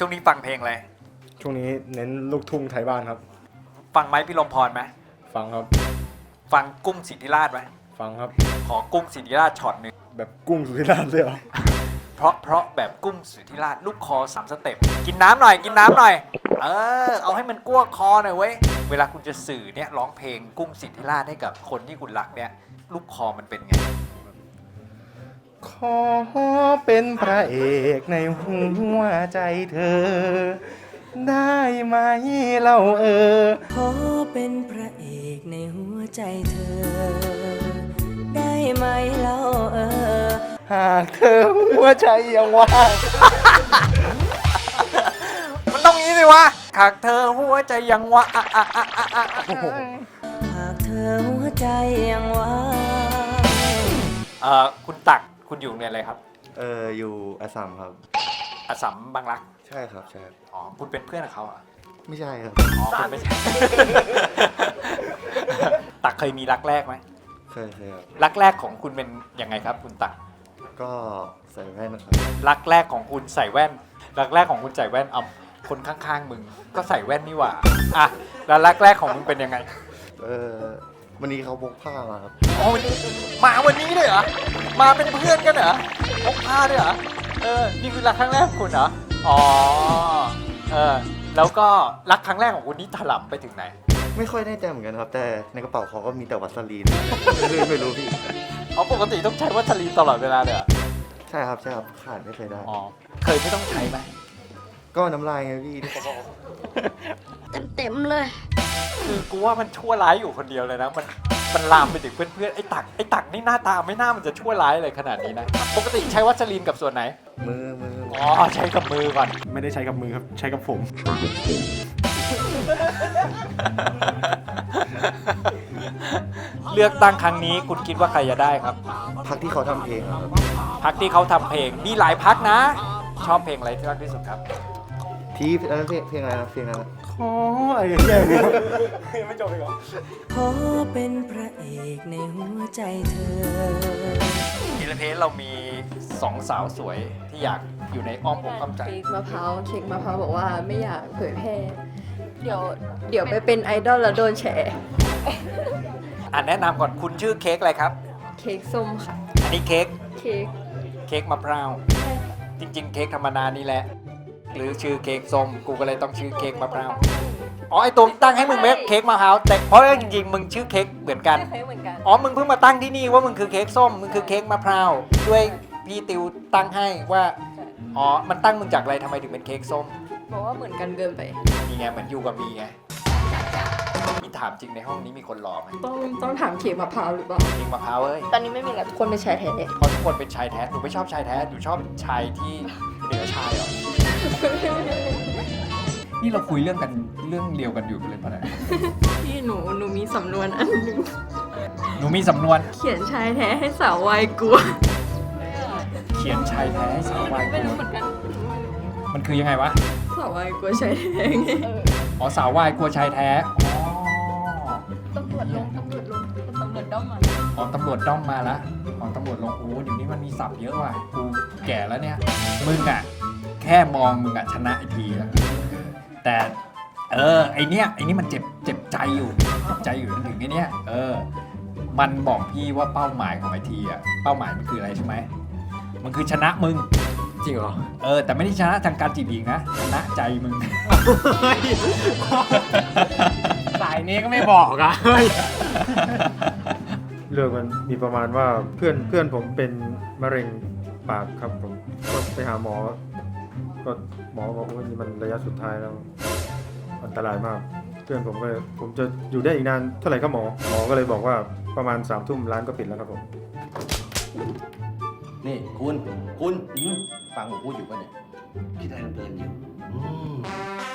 ช่วงนี้ฟังเพลงอะไรช่วงนี้เน้นลูกทุ่งไทยบ้านครับฟังไม้พิรมพรไหมฟังครับฟังกุ้งสิทธิราชไหมฟังครับขอกุ้งสิทธิราชช็อตหนึ่งแบบกุ้งสุธิราชเลยเหรอเพราะแบบกุ้งสิทธิราชลูกคอ3 สเต็ปกินน้ำหน่อยเอาให้มันกั้วคอหน่อยเว้ยเวลาคุณจะสื่อเนี่ยร้องเพลงกุ้งสิทธิราชให้กับคนที่คุณรักเนี่ยลูกคอมันเป็นไงขอเป็นพระเอกในหัวใจเธอได้ไหมเราขอเป็นพระเอกในหัวใจเธอได้ไหมเราหากเธอหัวใจยังว่างมันต้องงี้สิวะหากเธอหัวใจยังว่างหากเธอหัวใจยังว่างคุณตักคุณอยู่โรงเรียนอะไรครับอยู่อัสสัมครับอัสสัมบางรักใช่ครับใช่อ๋อคุณเป็นเพื่อนกับเขาอ่ะไม่ใช่ครับอ๋อคุณไม่ใช่ ตักเคยมีรักแรกไหมเคยครับรักแรกของคุณเป็นยังไงครับคุณตักก็ใส่แว่นนะครับรักแรกของคุณใส่แว่นรักแรกของคุณใส่แว่นเอาคนข้างๆมึงก็ใส่แว่นนี่หว่าอ่ะแล้วรักแรกของมึงเป็นยังไงวันนี้เขาพกผ้ามาครับอ๋อมาวันนี้เลยเหรอมาเป็นเพื่อนกันเหรอพกผ้าด้วยเหรอนี่คือรักครั้งแรกของคุณเหรออ๋อแล้วก็รักครั้งแรกของคุณนี่ถลำไปถึงไหนไม่ค่อยได้ใจเหมือนกันครับแต่ในกระเป๋าเขาก็มีแต่วัสลีนไม่รู้พี่ปกติต้องใช้วัสลีนตลอดเวลาเลยเหรอใช่ครับขาดไม่เคยได้อ๋อเคยไม่ต้องใช้ไหมก็น้ำลายไงพี่เต็มเลยคือกูว่ามันชั่วร้ายอยู่คนเดียวเลยนะมันลามไปถึงเพื่อนๆไอ้ตักนี่หน้าตาไม่น่ามันจะชั่วร้ายอะไรขนาดนี้นะปกติใช้วัสลีนกับส่วนไหนมืออ๋อใช้กับมือก่อนไม่ได้ใช้กับมือครับใช้กับผมเลือกตั้งครั้งนี้คุณคิดว่าใครจะได้ครับพรรคที่เขาทำเพลงครับพรรคที่เขาทำเพลงมีหลายพรรคนะชอบเพลงอะไรที่รักที่สุดครับที่เพลงอะไรนะเพลงอะไรขออะไรอย่างเงี้ยไม่จบเลยเหรอขอเป็นพระเอกในหัวใจเธอทีละเพจเรามี2 สาวสวยที่อยากอยู่ในอ้อมอกอ้อมใจเค้กมะพร้าวบอกว่าไม่อยากเผยแพร่เดี๋ยวไปเป็นไอดอลแล้วโดนแฉแนะนำก่อนคุณชื่อเค้กอะไรครับเค้กส้มค่ะอันนี้เค้กมะพร้าวจริงๆเค้กธรรมดานี่แหละหรือชื่อเค้กส้มกูก็เลยต้องชื่อเค้กมะพร้าวอ๋อไอตัวตั้งให้มึงเม็ดเค้กมะพร้าวแต่เพราะจริงๆมึงชื่อเค้กเหมือนกันอ๋อมึงเพิ่งมาตั้งที่นี่ว่ามึงคือเค้กส้มมึงคือเค้กมะพร้าวด้วยพี่ติวตั้งให้ว่าอ๋อมันตั้งมึงจากอะไรทำไมถึงเป็นเค้กส้มบอกว่าเหมือนกันเกินไปนี่ไงเหมือนยูกับมีไงมีถามจริงในห้องนี้มีคนหล่อไหมต้องถามเค้กมะพร้าวหรือเปล่าเค้กมะพร้าวเอ้ยตอนนี้ไม่มีแล้วทุกคนเป็นชายแท้เพราะทุกคนเป็นชายแท้หนูไม่ชอบชายแท้หนูชอบชายที่เหนือชายเหรอนี่เราคุยเรื่องเดียวกันอยู่เลยปะเนี่ยพี่หนูมีสำนวนอันหนึ่งหนูมีสำนวนเขียนชายแท้ให้สาววายกลัวเขียนชายแท้ให้สาววายกลัวมันคือยังไงวะสาววายกลัวชายแท้ไงอ๋อสาววายกลัวชายแท้ตำรวจด้อมมาอ๋อตำรวจด้อมมาละอ๋อตำรวจลงโอ้เดี๋ยวนี้มันมีศัพท์เยอะว่ะกูแก่แล้วเนี่ยมึงอ่ะแค่มองมึงอ่ะชนะไอทีแล้วแต่ไอเนี้ยมันเจ็บใจอยู่ถึงไอเนี้ยมันบอกพี่ว่าเป้าหมายของไอทีอ่ะเป้าหมายมันคืออะไรใช่ไหมมันคือชนะมึงจริงเหรอแต่ไม่ได้ชนะทางการจีบหญิงนะชนะใจมึงสายนี้ก็ไม่บอกอ่ะเรื่องมันมีประมาณว่าเพื่อนผมเป็นมะเร็งปากครับผมก็ไปหาหมอก็หมอบอกว่านี่มันระยะสุดท้ายแล้วอันตรายมากเพื่อนผมจะอยู่ได้อีกนานเท่าไหร่ครับหมอก็เลยบอกว่าประมาณ3 ทุ่มร้านก็ปิดแล้วครับผมนี่คุณฟังผมพูดอยู่ป่ะเนี่ยคิดอะไรเพลินอยู่